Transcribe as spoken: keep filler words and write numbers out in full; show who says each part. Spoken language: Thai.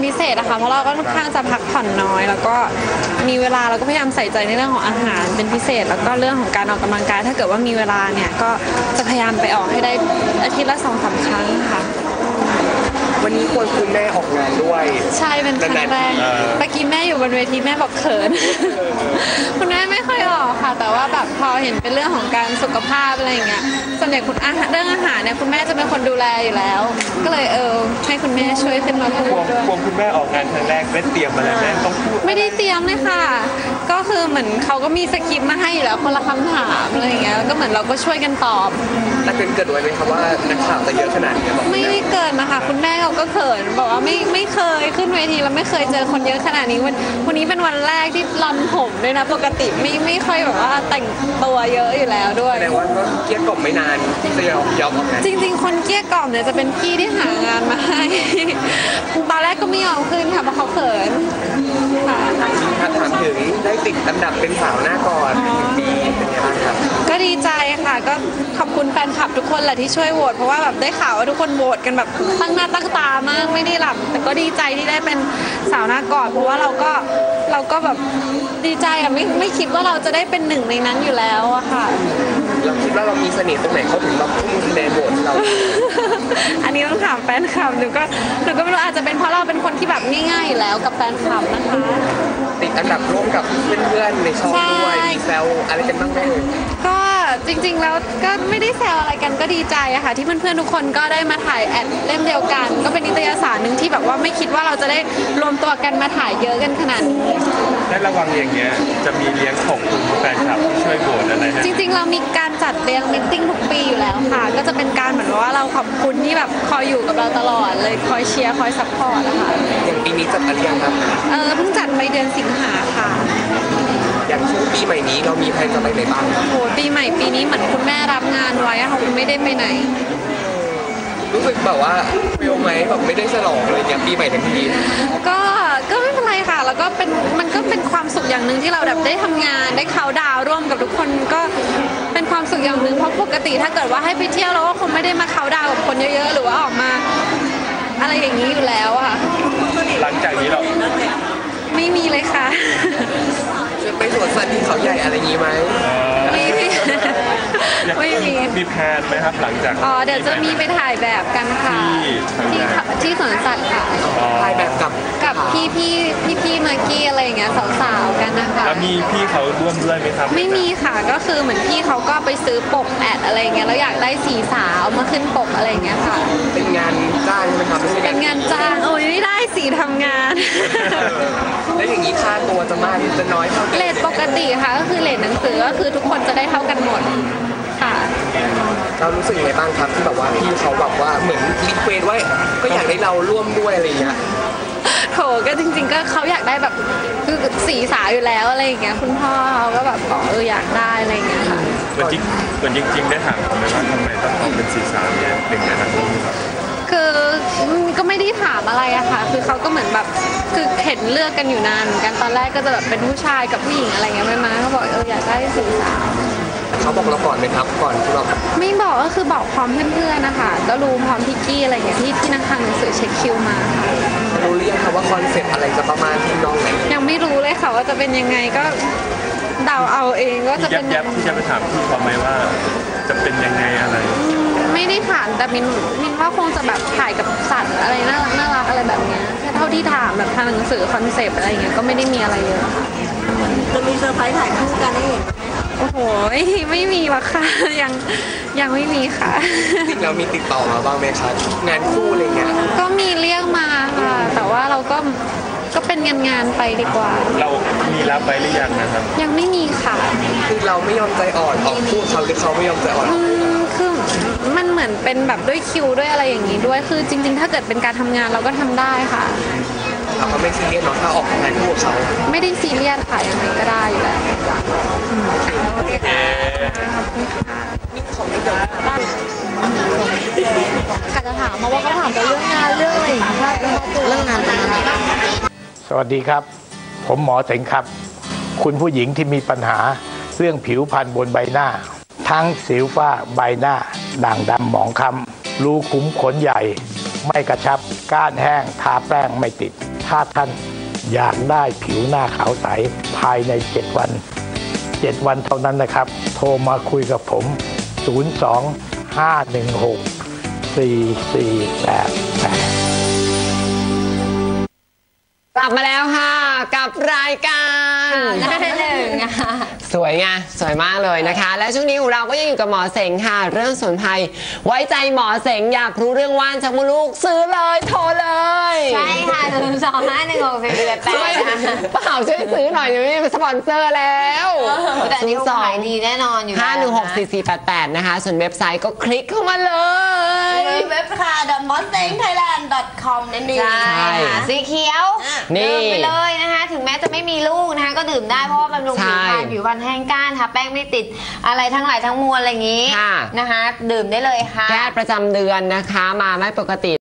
Speaker 1: พิเศษนะคะเพราะเราก็ค่อนข้างจะพักผ่อนน้อยแล้วก็มีเวลาเราก็พยายามใส่ใจในเรื่องของอาหารเป็นพิเศษแล้วก็เรื่องของการออกกำลังกายถ้าเกิดว่ามีเวลาเนี่ยก็จะพยายามไปออกให้ได้อาทิตย์ละสองสามครั้งค่ะ
Speaker 2: วันนี้ควรคุณแม่ออกงานด้วย
Speaker 1: ใช่เป็นครั้งแรกเมื่อกี้แม่อยู่บนเวทีแม่บอกเขินคุณแม่ไม่ค่อยออกค่ะแต่ว่าแบบพอเห็นเป็นเรื่องของการสุขภาพอะไรอย่างเงี้ยส่วนใหญ่คุณอาหารเรื่องอาหารเนี่ยคุณแม่จะเป็นคนดูแลอยู่แล้วก็เลยเออให้คุณแม่ช่วยขึ้นมาพูดด้วย
Speaker 3: กลัวคุณแม่ออกงานครั้งแรกได้เตรียมมาแล้วแม่ต้องพูด
Speaker 1: ไม่ได้เตรียมเลยค่ะก็คือเหมือนเขาก็มีสคริปต์มาให้อยู่แล้วคนละคำถามอะไรอย่างเงี้ยก็เหมือนเราก็ช่วยกันตอบ
Speaker 2: แต่เป็นเกิดไว้ไหมครับว่านักข่าวจะเยอะขนาดนี้
Speaker 1: ไม่ได้เกิดนะคะคุณแม่เขาก็เขินบอกว่าไม่ไม่เคยขึ้นเวทีแล้วไม่เคยเจอคนเยอะขนาดนี้วันวันนี้เป็นวันแรกที่รอนผมด้วยนะปกติไม่ไม่ค่อยแบบว่าแต่งตัวเยอะอยู่แล้วด้วย
Speaker 2: แสดงว่าก็เกลี้ยกล่อมไม่นานจะยอมยอมออกงาน
Speaker 1: จริงๆคนเกลี้ยกล่อมเนี่ยจะเป็นพี่ที่หางานมาให้ตอนแรกก็ไม่ยอมขึ้นค่ะเพราะเขาเขิน
Speaker 2: ค่ะถามถึงได้ติดอันดับเป็นสาวหน้าก่อนปีเป็นยังไงบ้างครับ
Speaker 1: ก็ดีใจค่ะก็ขอบคุณแฟนคลับทุกคนแหละที่ช่วยโหวตเพราะว่าแบบได้ข่าวว่าทุกคนโหวตกันแบบตั้งหน้าตั้งตามากไม่ได้หลับแต่ก็ดีใจที่ได้เป็นสาวหน้ากอดเพราะว่าเราก็เราก็แบบดีใจอะไม่ไม่คิดว่าเราจะได้เป็นหนึ่งในนั้นอยู่แล้วอะค่ะ
Speaker 2: เราคิดว่าเรามีเสน่ห์ตรงไหนเขาถึงแบบทุ่มคะแนนโหวตเรา
Speaker 1: อันนี้ต้องถามแฟนคลับหนูก็หนูก็ไม่รู้อาจจะเป็นเพราะเราเป็นคนที่แบบง่ายๆอยู่แล้วกับแฟนคลับนะคะ
Speaker 2: ติดอันดับร่วมกับเพื่อนๆในช่องด้วยมีแซวอะไรกันบ้างไหม
Speaker 1: ก็จริงๆแล้วก็ไม่ได้แซวอะไรกันก็ดีใจอะค่ะที่เพื่อนๆทุกคนก็ได้มาถ่ายแอดเล่มเดียวกันก็เป็นนิตยสารหนึ่งที่แบบว่าไม่คิดว่าเราจะได้รวมตัวกันมาถ่ายเยอะกันขนาดนี้
Speaker 3: ได้ระวังอย่างเงี้ยจะมีเลี้ยงของคุณแฟนคลับที่ช่วยโหวตอะไร
Speaker 1: จริงๆเรามีการจัดเลี้ยงมิทติ้งทุกปีอยู่แล้วค่ะก็จะเป็นการเหมือนว่าเราขอบคุณที่แบบคอยอยู่กับเราตลอดเลยคอยเชียร์คอยซัพพอร์ตนะคะ
Speaker 2: อย่างปีนี้จัดอะไรยังครับ
Speaker 1: เออเพิ่งจัดไปเดือนสิงหาค่ะ
Speaker 2: อย่างช่วงปีใหม่นี้เรามีแผนจะไปไหนบ้าง
Speaker 1: โอ้ปีใหม่ปีนี้เหมือนคุณแม่รับงานไว้ค่ะคุณไม่ได้ไปไหน
Speaker 2: รู้สึกแบบว่าเฟลไหมแบบไม่ได้ฉลองเลยเนี่ยปีใหม่ทั้งที
Speaker 1: ก็ก็ไม่เป็นไรค่ะแล้วก็เป็นมันก็เป็นความสุขอย่างหนึ่งที่เราแบบได้ทำงานได้เขาดาวร่วมกับทุกคนก็เป็นความสุขอย่างหนึ่งเพราะปกติถ้าเกิดว่าให้ไปเที่ยวเราก็คงไม่ได้มาเขาดาวกับคนเยอะๆหรือว่าออกมาอะไรอย่างนี้อยู่แล้วค่ะ
Speaker 3: หลังจากนี้เรา
Speaker 1: ไม่มีเลยค่ะ
Speaker 2: จะไปสวนสัตว์ที่เขาใหญ่อะไรอย่างนี้ไหม
Speaker 1: ไม่มีไม่มี
Speaker 3: มีแพลนไหมครับหลังจาก
Speaker 1: อ๋อเดี๋ยวจะมีไปถ่ายแบบกันค่ะที่ที่สวนสัตว์ค่ะ
Speaker 2: ถ่ายแบบกับ
Speaker 1: กับพี่พี่พี่พี่มากกี้อะไรอย่างเงี้ยสาวๆกันนะคะ
Speaker 3: แล้วมีพี่เขาร่วมด้วยไหมครับ
Speaker 1: ไม่มีค่ะก็คือเหมือนพี่เขาก็ไปซื้อปกแอดอะไรเงี้ยแล้วอยากได้สีสาวมาขึ้นปกอะไรเงี้ยค่ะ
Speaker 2: เป็นงานจ้างใช่ไหมครับ
Speaker 1: เป็นงานจ้างโอ้ยไม่ได้สีทำงาน
Speaker 2: แล้วอย่างนี้ค่าตัวจะมากจะน้อยเท่ากัน
Speaker 1: เรทปกติค่ะก็คือเรทหนังสือก็คือทุกคนจะได้เท่ากันหมดค่ะ
Speaker 2: เรารู้สึกยังไงบ้างครับที่แบบว่าพี่เขาแบบว่าเหมือนรีเควสไว้ก็อยากให้เราร่วมด้วยอะไรเงี้ย
Speaker 1: โถก็จริงๆก็เขาอยากได้แบบคือสีสาวอยู่แล้วอะไรอย่างเงี้ยคุณพ่อเขาก็แบบบอกเอออยากได้อะไรอย่างเงี้ยค่ะ
Speaker 3: เหมือนจริงเหมือนจริงๆได้ถามเขาไหมว่าทำไมต้องเอาเป็นสีสาวเนี่ยเป็นไงครับ
Speaker 1: คือก็ไม่ได้ถามอะไรอะค่ะคือเขาก็เหมือนแบบคือเห็นเลือกกันอยู่นานเหมือนกันตอนแรกก็จะแบบเป็นผู้ชายกับผู้หญิงอะไรเงี้ยไม่มาเขาบอกเอออยากได้สีสาว
Speaker 2: เขาบอกเราก่อนไหมครับก่อนที่เรา
Speaker 1: ไม่บอกก็คือบอกพร้อมเพื่อนๆนะคะก็รู้พร้อมพิกกี้อะไรอย่างเงี้ยที่ที่นักข่าวหนังสือเช็คคิวมาค่ะ
Speaker 2: รู้เรียกค่ะว่าคอนเซ็ปต์อะไรจะประมาณที่น้องไหน
Speaker 1: ยังไม่รู้เลยค่ะว่าจะเป็นยังไงก็เดาเอาเองว่าจะเป็น
Speaker 3: ยับที่จะไปถามพี่เขาไหมว่าจะเป็นยังไงอะไร
Speaker 1: ไม่ได้ถามแต่มินมินว่าคงจะแบบถ่ายกับสัตว์อะไรน่ารักน่ารักอะไรแบบเนี้ยเท่าที่ถามแบบทางหนังสือคอนเซปต์อะไรเงี้ยก็ไม่ได้มีอะไรเยอะค่ะ
Speaker 4: จะมีเซอร์ไพรส์ถ่ายคู่กันให้เห็นไหม
Speaker 1: โอ้โหไม่มีหรอกค่ะยังยังไม่มีค่ะ
Speaker 2: จริงเรามีติดต่อมาบ้างไหมคะงานคู่อะไรเงี้ย
Speaker 1: ก็มีเรียกมาค่ะแต่ว่าเราก็ก็เป็นงานงานไปดีกว่า
Speaker 3: เรามีรับไปหรือยังนะครับ
Speaker 1: ยังไม่มีค่ะ
Speaker 2: คือเราไม่ยอมใจอ่อนออกคู่เขาหรือเขาไม่ยอมใจอ่อน
Speaker 1: คือมันเหมือนเป็นแบบด้วยคิวด้วยอะไรอย่างนี้ด้วยคือจริงๆถ้าเกิดเป็นการทำงานเราก็ทำได้ค่ะ
Speaker 2: เขาไม่ซีเรียสเนาะถ้าออกงานคู่เขา
Speaker 1: ไม่ได้ซีเรียสค่ะยังไงก็ได้อยู่แล้ว
Speaker 4: กาจะถามมาว่าเขาถามแต่เรื่องงานเรื่องอะไรอย่างเงี้ยเรื่องงานแต่งงาน
Speaker 5: สวัสดีครับผมหมอเสงครับคุณผู้หญิงที่มีปัญหาเรื่องผิวพรรณบนใบหน้าทั้งสิวฝ้าใบหน้าด่างดำหมองคล้ำรูขุมขนใหญ่ไม่กระชับก้านแห้งทาแป้งไม่ติดถ้าท่านอยากได้ผิวหน้าขาวใสภายในเจ็ดวันเจ็ดวันเท่านั้นนะครับโทรมาคุยกับผมศูนย์ สอง ห้า หนึ่ง หก สี่ สี่ แปด แปด
Speaker 6: กลับมาแล้วค่ะกับรายการ
Speaker 4: หน้าหนึ่งอะ
Speaker 6: สวยไงสวยมากเลยนะคะ และช่วงนี้ของเราก็ยังอยู่กับหมอเสงค่ะ เรื่องสมุนไพรไว้ใจหมอเสงอยากรู้เรื่องว่านชักมดลูกซื้อเลยโทรเลย
Speaker 4: ใช่ค่ะศูนย์สองห้าหนึ่งหกสี่แปดแป
Speaker 6: ช่วย
Speaker 4: ดนะคะ
Speaker 6: เปล่าช่วยซื้อหน่อยเดี๋ยวนี้เป็นสปอนเซอร์แล้ว
Speaker 4: แต่อันนี้เขาขายดีแน่นอนอยู่
Speaker 6: ห้าหนึ่งหกสี่สี่แปดแปดนะคะส่วนเว็บไซต์ก็คลิกเข้ามาเลย
Speaker 4: เว็บค่ะ ดอท มอสเต็งไทยแลนด์ ดอท คอม นั่นเอง
Speaker 6: ใช่
Speaker 4: ค่ะสีเขียว
Speaker 6: นี่
Speaker 4: ดื่มไปเลยนะคะ ถึงแม้จะไม่มีลูกนะคะ ก็ดื่มได้เพราะว่าบำรุงผิวพรรณผิวพรรณแห้งก้านทาแป้งไม่ติดอะไรทั้งหลายทั้งมวลอะไรอย่างนี้
Speaker 6: ค่ะ
Speaker 4: นะคะ ดื่มได้เลยค่ะ
Speaker 6: แพทย์ประจำเดือนนะคะ มาไม่ปกติ